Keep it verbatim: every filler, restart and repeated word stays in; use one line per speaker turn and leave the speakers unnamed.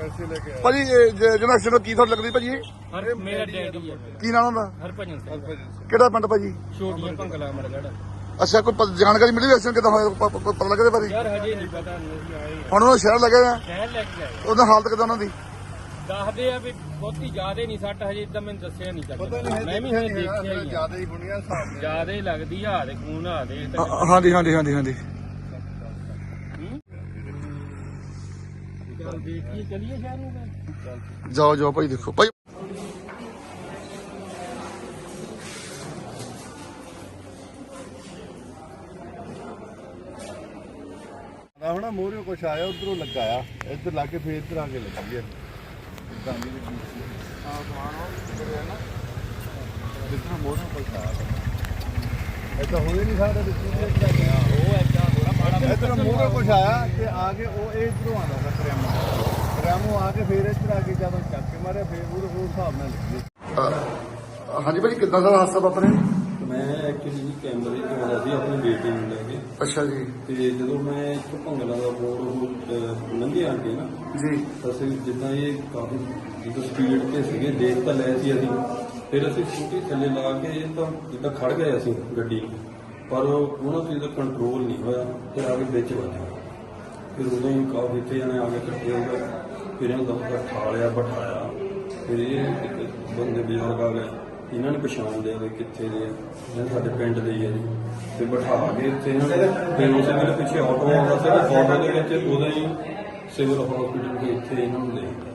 ਭਾਜੀ ਜਿਹੜਾ ਐਕਸੀਡੈਂਟ ਕੀ ਤੁਹਾਨੂੰ ਲੱਗਦੀ ਭਾਜੀ?
ਹਰ ਮੇਰਾ ਡੈਡੀ ਹੈ।
ਕੀ ਨਾਮ ਹੁੰਦਾ?
ਹਰਭਜਨ ਸਿੰਘ।
ਕਿਹੜਾ ਪਿੰਡ ਭਾਜੀ?
ਛੋਟੀਆਂ ਭੰਗਲਾ ਮਰਗੜ।
ਅੱਛਾ, ਕੋਈ ਪ- ਜਾਣਕਾਰੀ ਮਿਲੀ ਐਕਸੀਡੈਂਟ ਕਿੱਦਾਂ ਹੋਇਆ? ਪ- ਪ- ਪਤਾ ਲੱਗੇ ਬਾਰੇ?
ਯਾਰ ਹਜੇ ਨਹੀਂ ਪਤਾ, ਨਹੀਂ ਆਏ
ਹੁਣ ਉਹਨਾਂ ਸ਼ਹਿਰ ਲੱਗੇ ਆ,
ਸ਼ਹਿਰ ਲੈ ਕੇ ਆਏ।
ਉਹਦਾ ਹਾਲਤ ਕਿੱਦਾਂ ਉਹਨਾਂ ਦੀ?
ਦੱਸਦੇ ਆ ਵੀ ਬਹੁਤੀ ਜ਼ਿਆਦੇ ਨਹੀਂ ਸੱਟ, ਹਜੇ ਇਦਾਂ ਮੈਨੂੰ ਦੱਸਿਆ ਨਹੀਂ ਸਕਦਾ। ਮੈਂ ਵੀ ਹਜੇ ਦੇਖਿਆ ਹੀ ਜ਼ਿਆਦਾ ਹੀ ਹੋਣੀ ਆ, ਜ਼ਿਆਦਾ ਹੀ ਲੱਗਦੀ ਆ। ਦੇ ਖੂਨ ਆ ਦੇ
ਹਾਂ- ਹਾਂਜੀ ਹਾਂਜੀ ਹਾਂਜੀ ਹਾਂਜੀ
ਚੱਲ ਦੇਖੀਏ, ਚਲੀਏ ਸ਼ਹਿਰ ਨੂੰ ਫਿਰ।
ਜਾਓ ਜਾਓ ਭਾਈ, ਦੇਖੋ ਭਾਈ
ਹੁਣ ਮੋਰਿਓ ਕੁਛ ਆਇਆ, ਉਧਰੋਂ ਲੱਗਾ ਆ, ਇੱਧਰ ਲਾ ਕੇ ਫੇਰ ਇੱਧਰ ਆ ਕੇ ਲੱਗੀ ਹੈ। ਇਦਾਂ ਦੀ ਹਾਂ ਸਮਾਨ ਉਹ ਨਾ ਜਿੱਦਾਂ ਮੋਰਿਓ ਕੁਛ ਆਇਆ, ਏਦਾਂ ਹੋਏ ਨਹੀਂ ਸਕਦਾ ਵਿੱਚ
ਉਹ ਐਦਾਂ ਥੋੜਾ ਮਾੜਾ
ਇੱਧਰ ਮੋਰਿਓ ਕੁਛ ਆਇਆ ਤੇ ਆ ਕੇ ਉਹ ਇਹ ਇੱਧਰੋਂ ਆਉਂਦਾ ਵਾ ਕਰੈਮੋ ਕਰੈਮੋ ਆ ਕੇ ਫੇਰ ਇੱਧਰ ਆ ਕੇ ਜਦੋਂ ਚੱਕ ਕੇ ਮਾਰਿਆ ਫੇਰ ਉਹ ਉਹ ਹਿਸਾਬ ਨਾਲ ਲੱਗੀ।
ਹਾਂਜੀ ਭਾਜੀ, ਕਿੱਦਾਂ ਦਾ ਹਾਦਸਾ ਵਾਪਰਿਆ?
ਮੈਂ ਐਕਚੁਅਲੀ ਜੀ ਕੈਮਰੇ ਤੇ ਆਉਂਦਾ ਸੀ ਆਪਣੀ ਬੇਟੀ ਨੂੰ ਲੈ ਕੇ,
ਅੱਛਾ ਜੀ
ਤੇ ਜਦੋਂ ਮੈਂ ਇੱਥੋਂ ਭੰਗਲਾ ਦਾ ਰੋਡ ਉਹ ਲੰਘੇ ਆ ਕੇ ਨਾ,
ਜੀ
ਅਸੀਂ ਜਿੱਦਾਂ ਇਹ ਕਾਫੀ ਜਦੋਂ ਸਪੀਡ ਤੇ ਸੀਗੇ, ਦੇਖ ਤਾਂ ਲਏ ਸੀ ਅਸੀਂ, ਫਿਰ ਅਸੀਂ ਸਕੂਟੀ ਥੱਲੇ ਲਾ ਕੇ ਇਹ ਤਾਂ ਜਿੱਦਾਂ ਖੜ ਗਏ ਅਸੀਂ ਗੱਡੀ ਨੂੰ, ਪਰ ਉਹਨਾਂ ਤੋਂ ਇਹਦਾ ਕੰਟਰੋਲ ਨਹੀਂ ਹੋਇਆ, ਫਿਰ ਆ ਕੇ ਵਿੱਚ ਵੱਜਿਆ। ਫਿਰ ਉਦੋਂ ਹੀ ਕਾਫੀ ਇੱਥੇ ਜਾਣੇ ਆ ਕੇ ਇਕੱਠੇ ਹੋ ਗਏ, ਫਿਰ ਇਹਨੂੰ ਦਮ ਠਾ ਲਿਆ, ਬਿਠਾਇਆ। ਫਿਰ ਇਹ ਇੱਕ ਬੰਦੇ ਬਜ਼ੁਰਗ ਆ ਗਏ, ਇਹਨਾਂ ਨੇ ਪਛਾਣ ਲਿਆ ਵੀ ਕਿੱਥੇ ਦੇ ਆ, ਇਹਨਾਂ ਸਾਡੇ ਪਿੰਡ ਦੇ ਹੀ ਆ ਜੀ। ਤੇ ਬਿਠਾ ਕੇ ਇੱਥੇ ਇਹਨਾਂ ਨੇ ਫਿਰ ਉਸੇ ਵੇਲੇ ਪਿੱਛੇ ਆਟੋ ਆਉਂਦਾ ਸੀ, ਆਟੋ ਦੇ ਵਿੱਚ ਉਦੋਂ ਹੀ ਸਿਵਲ ਹਸਪੀਟਲ ਦੇ ਇੱਥੇ ਇਹਨਾਂ ਨੂੰ ਲੈ ਗਏ।